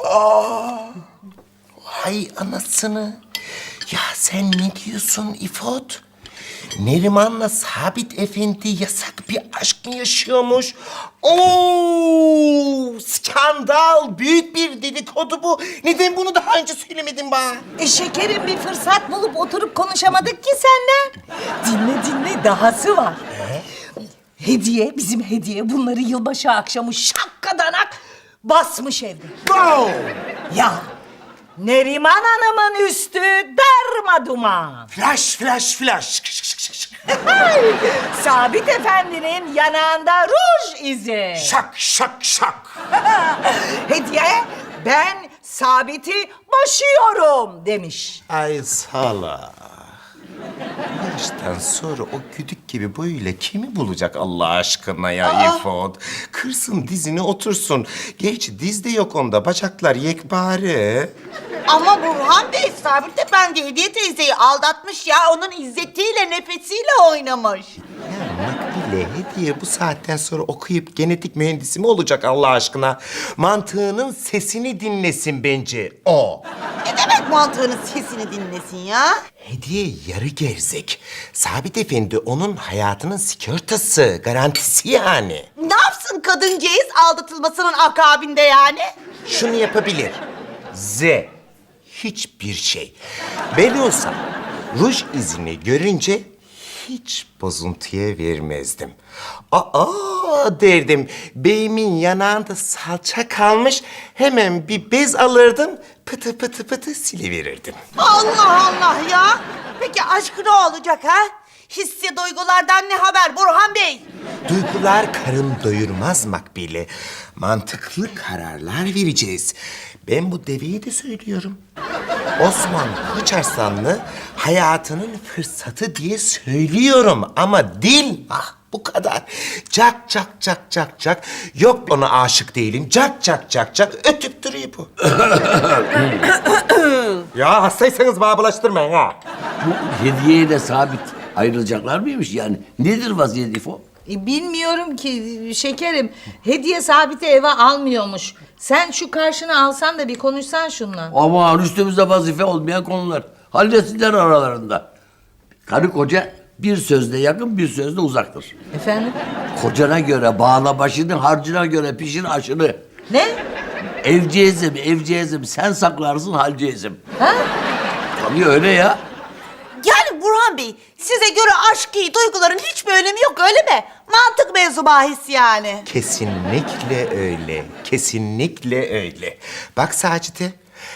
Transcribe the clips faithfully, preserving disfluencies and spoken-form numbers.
Aa, hay anasını. Ya sen ne diyorsun İfot? Neriman'la Sabit Efendi yasak bir aşk mı yaşıyormuş? Oo, skandal, büyük bir dedikodu bu. Neden bunu daha önce söylemedin bana? E şekerim, bir fırsat bulup oturup konuşamadık ki seninle. Dinle dinle, dahası var. Hediye, bizim Hediye bunları yılbaşı akşamı şakkadanak basmış evde. Bravo! Ya Neriman Hanım'ın üstü darma duman. Flash, flash, flash. Şık, şık, şık, şık, şık. Sabit Efendi'nin yanağında ruj izi. Şak, şak, şak. Hediye, ben Sabit'i boşuyorum demiş. Ay sala. Bu yaştan sonra o güdük gibi böyle kimi bulacak Allah aşkına ya İfot? Kırsın dizini otursun. Gerçi diz de yok onda. Bacaklar yekpare. Ama Burhan Bey, Sabit Efendi Hediye teyzeyi aldatmış ya. Onun izzetiyle, nefesiyle oynamış. Ya Makbule, Hediye bu saatten sonra okuyup genetik mühendisi mi olacak Allah aşkına? Mantığının sesini dinlesin bence o. Ne demek mantığının sesini dinlesin ya? Hediye yarı gerzek. Sabit Efendi onun hayatının sigortası, garantisi yani. Ne yapsın kadıncağız aldatılmasının akabinde yani? Şunu yapabilir. Z. Hiçbir şey. Ben olsam ruj izini görünce hiç bozuntuya vermezdim. Aa derdim, beyimin yanağında salça kalmış, hemen bir bez alırdım, pıtı pıtı pıtı siliverirdim. Allah Allah ya! Peki aşk ne olacak ha? Hissi duygulardan ne haber Burhan Bey? Duygular karın doyurmaz Makbule. Mantıklı kararlar vereceğiz. Ben bu deveyi de söylüyorum. Osman Koçarslanlı hayatının fırsatı diye söylüyorum ama dil ah bu kadar. Cak cak cak cak cak. Yok ona aşık değilim. Cak cak cak cak. Ötüp duruyor bu. Ya hastaysanız bana bulaştırmayın ha. Bu Hediyeyle Sabit ayrılacaklar mıymış yani? Nedir vaziyet İfo? E, bilmiyorum ki şekerim. Hediye Sabit'i eve almıyormuş. Sen şu karşına alsan da bir konuşsan şunla. Aman üstümüzde vazife olmayan konular. Halletsinler aralarında. Karı koca bir sözle yakın, bir sözle uzaktır. Efendim? Kocana göre bağla başını, harcına göre pişir aşını. Ne? Evciyezim, evciyezim, sen saklarsın halciyezim. Ha? Tabii öyle ya. Yani Burhan Bey, size göre aşkı, duyguların hiçbir önemi yok öyle mi? Mantık mevzu bahis yani. Kesinlikle öyle. Kesinlikle öyle. Bak Sacit'e.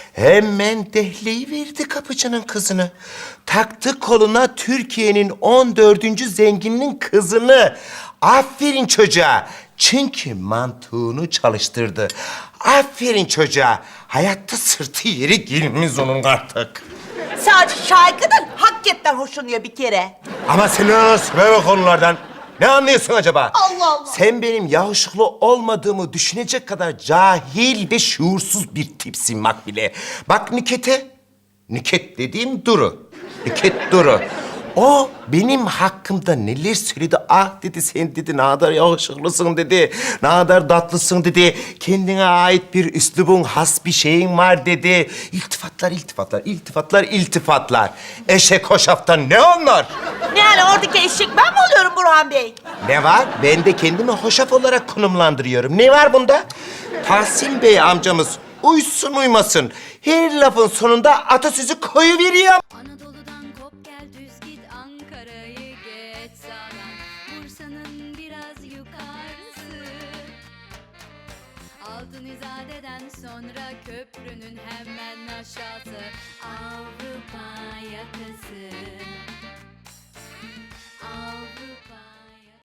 Hemen dehleyiverdi kapıcının kızını. Taktı koluna Türkiye'nin on dördüncü zengininin kızını. Aferin çocuğa. Çünkü mantığını çalıştırdı. Aferin çocuğa. Hayatta sırtı yeri gelmez onun artık. Sadece şarkıdan hakikaten hoşlanıyor bir kere. Ama sen ne anlarsın böyle konulardan? Ne anlıyorsun acaba? Allah Allah. Sen benim yakışıklı olmadığımı düşünecek kadar cahil ve şuursuz bir tipsin Makbule. Bak Nüket'e. Nüket dediğim Duru. Nüket Duru. O benim hakkımda neler söyledi. Ah dedi, sen dedi ne kadar yakışıklısın dedi. Ne kadar tatlısın dedi. Kendine ait bir üslubun, has bir şeyin var dedi. İltifatlar, iltifatlar, iltifatlar, iltifatlar. Eşek hoşaftan ne onlar? Ne yani oradaki eşek ben mi oluyorum Burhan Bey? Ne var? Ben de kendimi hoşaf olarak konumlandırıyorum. Ne var bunda? Tahsin Bey amcamız uysun uymasın, her lafın sonunda atasözü koyuveriyor. Anadolu'dan kop gel düz git Ankara'yı geç sağdan Bursa'nın biraz yukarısı Altın İzade'den sonra köprünün hemen aşağısı